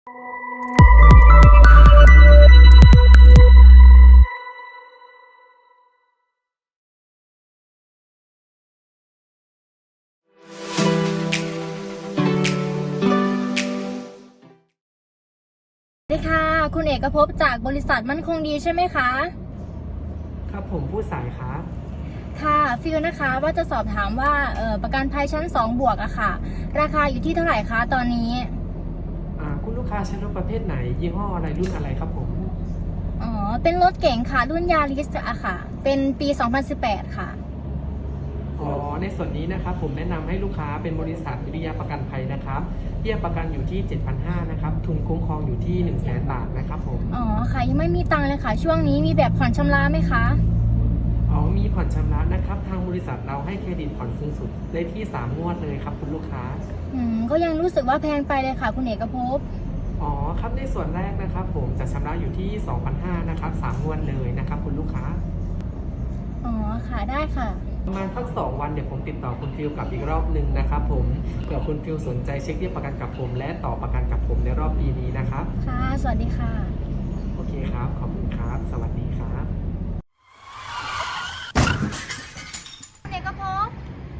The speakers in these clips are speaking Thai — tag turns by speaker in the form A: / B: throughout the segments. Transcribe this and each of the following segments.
A: สวัสดีค่ะคุณเอกภพจากบริษัทมั่นคงดีใช่ไหมคะ
B: ครับผมผู้สายครับ
A: ค่ะฟิลนะคะว่าจะสอบถามว่าประกันภัยชั้น2 บวกอะค่ะราคาอยู่ที่เท่าไหร่คะตอนนี้
B: คุณลูกค้าใช้รถประเภทไหนยี่ห้ออะไรรุ่นอะไรครับผม
A: อ๋อเป็นรถเก๋งค่ะรุ่นยาริสอะค่ะเป็นปี 2018 ค่ะ
B: ในส่วนนี้นะครับผมแนะนำให้ลูกค้าเป็นบริษัทวิริยะประกันภัยนะครับเบี้ยประกันอยู่ที่ 7,500 นะครับทุนคุ้มครองอยู่ที่ 100,000 บาทนะครับผม
A: อ๋อค่ะยังไม่มีตังค์เลยค่ะช่วงนี้มีแบบผ่อนชำระไหมคะ
B: มีผ่อนชำระนะครับทางบริษัทเราให้เครดิตผ่อนสูงสุดได้ที่3งวดเลยครับคุณลูกค้า
A: ก็ยังรู้สึกว่าแพงไปเลยค่ะคุณเอกภพ
B: ครับในส่วนแรกนะครับผมจะชำระอยู่ที่ 2,500 นะครับ3งวดเลยนะครับคุณลูกค้า
A: อ๋อค่ะได้ค่ะ
B: ประมาณสัก2 วันเดี๋ยวผมติดต่อคุณฟิลกลับอีกรอบหนึ่งนะครับผมเผื่อคุณฟิลสนใจเช็คเรียกประกันกับผมและต่อประกันกับผมในรอบปีนี้นะครับ
A: ค่ะสวัสดีค่ะ
B: โอเคครับขอบคุณครับสวัสดีครับ
A: คุณเอกภพ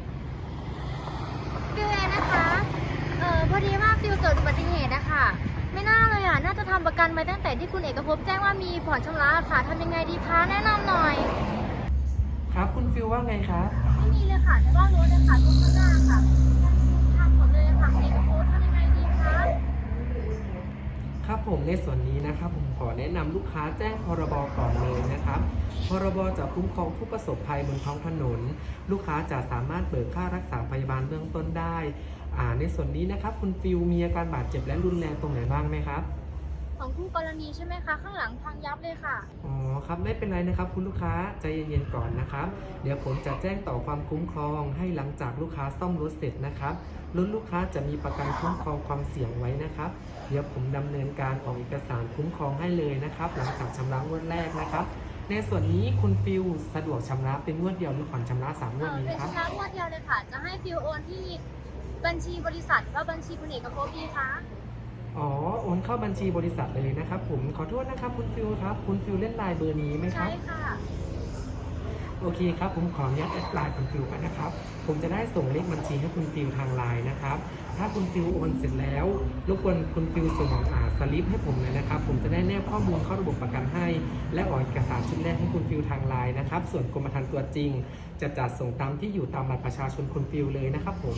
A: ฟิวเองนะคะพอดีว่าฟิวเกิดอุบัติเหตุนะคะไม่น่าเลยอ่ะน่าจะทำประกันไว้ตั้งแต่ที่คุณเอกภพแจ้งว่ามีผ่อนชำระค่ะทำยังไงดีคะแนะนำหน่อย
B: ครับคุณฟิลว่าไงครับ
A: ไม่มีเลยค่ะแต่ว่ารถเลยค่ะรถข้างหน้าค่ะทำหมดเลยค่ะคุณเอกภพทำยังไงดีคะ
B: ครับผมในส่วนนี้นะครับผมขอแนะนำลูกค้าแจ้งพรบก่อนเลยนะครับพรบจะคุ้มครองผู้ประสบภัยบนท้องถนนลูกค้าจะสามารถเบิกค่ารักษาพยาบาลเบื้องต้นได้ในส่วนนี้นะครับคุณฟิลมีอาการบาดเจ็บและรุนแรงตรงไหนบ้างไหมครับ
A: ของคู่กรณีใช่ไหมคะข้างหลังพังยับเลยค่ะ
B: ครับไม่เป็นไรนะครับคุณลูกค้าใจเย็นๆก่อนนะครับเดี๋ยวผมจะแจ้งต่อความคุ้มครองให้หลังจากลูกค้าซ่อมรถเสร็จนะครับรถลูกค้าจะมีประกันคุ้มครองความเสี่ยงไว้นะครับเดี๋ยวผมดำเนินการออกเอกสารคุ้มครองให้เลยนะครับหลังจากชำระงวดแรกนะครับในส่วนนี้คุณฟิลสะดวกชำระเป็นงวดเดียวหรือผ่อนชำระ3 งวดนี้ครับ
A: เป็นชำระงวดเดียวเลยค่ะจะให้ฟิวโอนที่บัญชีบริษัทว่าบัญชีคุณเอกภพดีคะ
B: โอนเข้าบัญชีบริษัทเลยนะครับผมขอโทษนะครับคุณฟิลครับคุณฟิลเล่นไลน์เบอร์นี้ไหมครับ
A: ใช่ค่ะ
B: โอเคครับผมขออนุญาตแอดไลน์คุณฟิลก่อนนะครับผมจะได้ส่งเลขบัญชีให้คุณฟิลทางไลน์นะครับถ้าคุณฟิลโอนเสร็จแล้วรบกวนคุณฟิลส่งสลิปให้ผมเลยนะครับผมจะได้แนบข้อมูลเข้าระบบประกันให้และออกเอกสารชุดแรกให้คุณฟิลทางไลน์นะครับส่วนกรมธรรม์ตัวจริงจะจัดส่งตามที่อยู่ตามบัตรประชาชนคุณฟิลเลยนะครับผม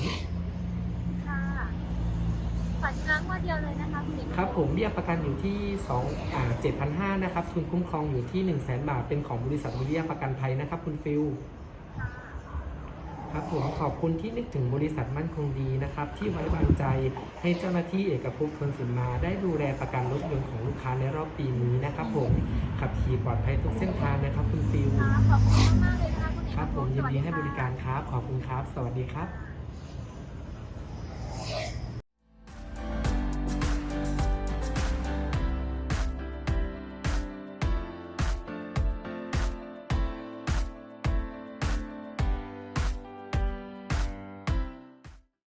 A: ผ่อนชำระงวดเดียวเลยนะคะคุณเอกภพ
B: ครับผมเบี้ยประกันอยู่ที่7,500 นะครับทุนคุ้มครองอยู่ที่ 100,000 บาทเป็นของบริษัทวิริยะประกันภัยนะครับคุณฟิลครับผมขอบคุณที่นึกถึงบริษัทมั่นคงดีนะครับที่ไว้วางใจให้เจ้าหน้าที่เอกภพคนสินมาได้ดูแลประกันรถยนต์ของลูกค้าในรอบปีนี้นะครับผมขับขี่ปลอดภัยทุกเส้นทางนะครับคุณฟิล
A: ขอบคุณมากเลยนะคะคุณเอกภพ
B: ครับผมยินดีให้บริการครับขอบคุณครับสวัสดีครับ